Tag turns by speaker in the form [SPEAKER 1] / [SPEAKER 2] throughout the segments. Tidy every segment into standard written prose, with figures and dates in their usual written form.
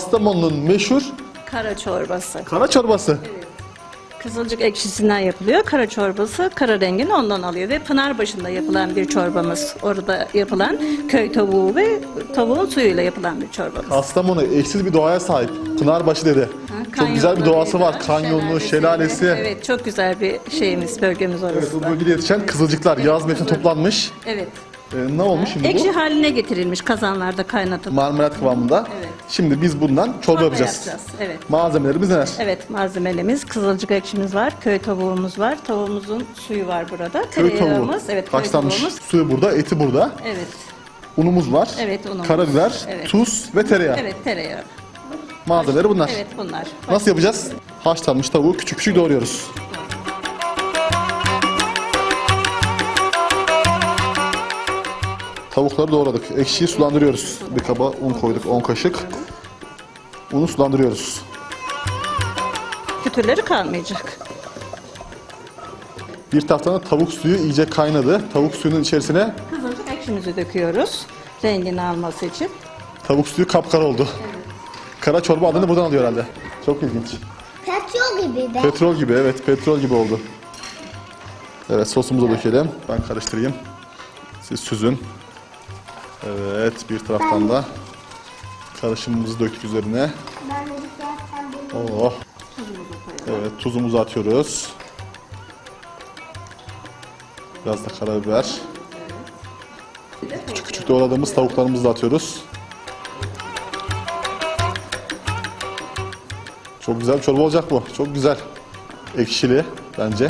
[SPEAKER 1] Kastamonu'nun meşhur
[SPEAKER 2] Kara çorbası.
[SPEAKER 1] kara çorbası.
[SPEAKER 2] Kızılcık ekşisinden yapılıyor. Kara çorbası kara rengini ondan alıyor ve Pınarbaşı'nda yapılan bir çorbamız. Orada yapılan köy tavuğu ve tavuğun suyuyla yapılan bir çorbamız.
[SPEAKER 1] Kastamonu eşsiz bir doğaya sahip. Pınarbaşı dedi. Çok güzel bir doğası var. Kanyonu, şelalesi.
[SPEAKER 2] Evet, çok güzel bir şeyimiz, bölgemiz orası.
[SPEAKER 1] Evet, bu bölgede yetişen kızılcıklar yaz mevsiminde toplanmış.
[SPEAKER 2] Evet.
[SPEAKER 1] Ne olmuş şimdi
[SPEAKER 2] Ekşi
[SPEAKER 1] bu?
[SPEAKER 2] haline getirilmiş kazanlarda kaynatılıp.
[SPEAKER 1] Marmelat kıvamında.
[SPEAKER 2] Evet.
[SPEAKER 1] Şimdi biz bundan çorba yapacağız.
[SPEAKER 2] Evet.
[SPEAKER 1] Malzemelerimiz neler?
[SPEAKER 2] Evet, malzemelerimiz kızılcık ekşimiz var, köy tavuğumuz var, tavuğumuzun suyu var burada.
[SPEAKER 1] Köy tavuğu.
[SPEAKER 2] Tereyağımız, evet, köy
[SPEAKER 1] Haşlanmış.
[SPEAKER 2] tavuğumuz.
[SPEAKER 1] Suyu burada, eti burada.
[SPEAKER 2] Evet,
[SPEAKER 1] Unumuz var.
[SPEAKER 2] Evet, unumuz.
[SPEAKER 1] Karabiber,
[SPEAKER 2] Evet.
[SPEAKER 1] tuz ve tereyağı.
[SPEAKER 2] evet tereyağı.
[SPEAKER 1] Malzemeleri bunlar.
[SPEAKER 2] Evet, bunlar.
[SPEAKER 1] Nasıl yapacağız? Haşlanmış tavuğu küçük küçük doğruyoruz. Tavukları doğradık. Ekşiyi sulandırıyoruz. Bir kaba un koyduk, 10 kaşık. Unu sulandırıyoruz.
[SPEAKER 2] Kütürleri kalmayacak.
[SPEAKER 1] Bir taraftan da tavuk suyu iyice kaynadı. Tavuk suyunun içerisine
[SPEAKER 2] Kızılcık ekşimizi döküyoruz. Rengini alması için.
[SPEAKER 1] tavuk suyu kapkara oldu. Kara çorba adını buradan alıyor herhalde. Çok ilginç.
[SPEAKER 3] Petrol gibi de.
[SPEAKER 1] Petrol gibi, evet, petrol gibi oldu. Evet, sosumuzu dökelim. Ben karıştırayım. Siz süzün. Evet, bir taraftan da karışımımızı döktük üzerine.
[SPEAKER 3] Ben de zaten bunu
[SPEAKER 1] Oh. Evet, tuzumuzu atıyoruz. Biraz da karabiber. Küçük küçük doğradığımız tavuklarımızı da atıyoruz. Çok güzel bir çorba olacak bu. Çok güzel. Ekşili bence.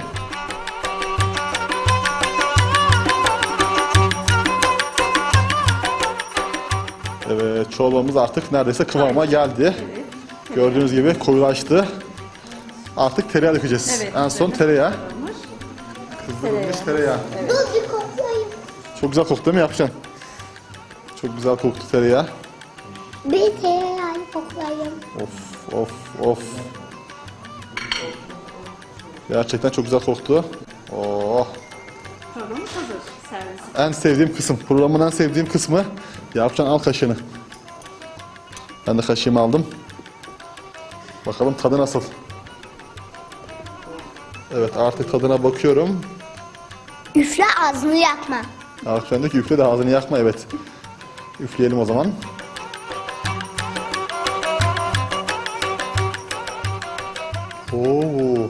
[SPEAKER 1] Evet, çorbamız artık neredeyse kıvama geldi. Gördüğünüz gibi koyulaştı. Artık tereyağı dökeceğiz.
[SPEAKER 2] Evet,
[SPEAKER 1] En son tereyağı. Kızdırılmış tereyağı.
[SPEAKER 3] dur bir koklayayım.
[SPEAKER 1] Çok güzel koktu değil mi yapacaksın? Çok güzel koktu tereyağı.
[SPEAKER 3] Bir tereyağını koklayayım.
[SPEAKER 1] Of of of. Gerçekten çok güzel koktu. Oh.
[SPEAKER 2] Çorbamız hazır. Servis.
[SPEAKER 1] En sevdiğim kısım. Programın en sevdiğim kısmı. Yapacaksın, al kaşığını. Ben de kaşığımı aldım. Bakalım tadı nasıl? Evet, artık tadına bakıyorum.
[SPEAKER 3] Üfle ağzını yakma.
[SPEAKER 1] Arkamdaki üfle de ağzını yakma, evet. Üfleyelim o zaman. Oo.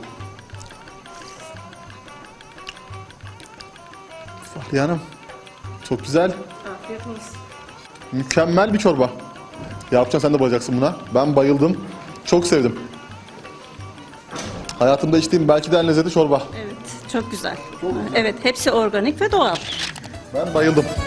[SPEAKER 1] Fahriye Hanım. Çok güzel.
[SPEAKER 2] Afiyet olsun.
[SPEAKER 1] Mükemmel bir çorba. Yapacaksın, sen de bayılacaksın buna. Ben bayıldım. Çok sevdim. Hayatımda içtiğim belki de en lezzetli çorba.
[SPEAKER 2] Evet, çok güzel. Evet, hepsi organik ve doğal.
[SPEAKER 1] Ben bayıldım.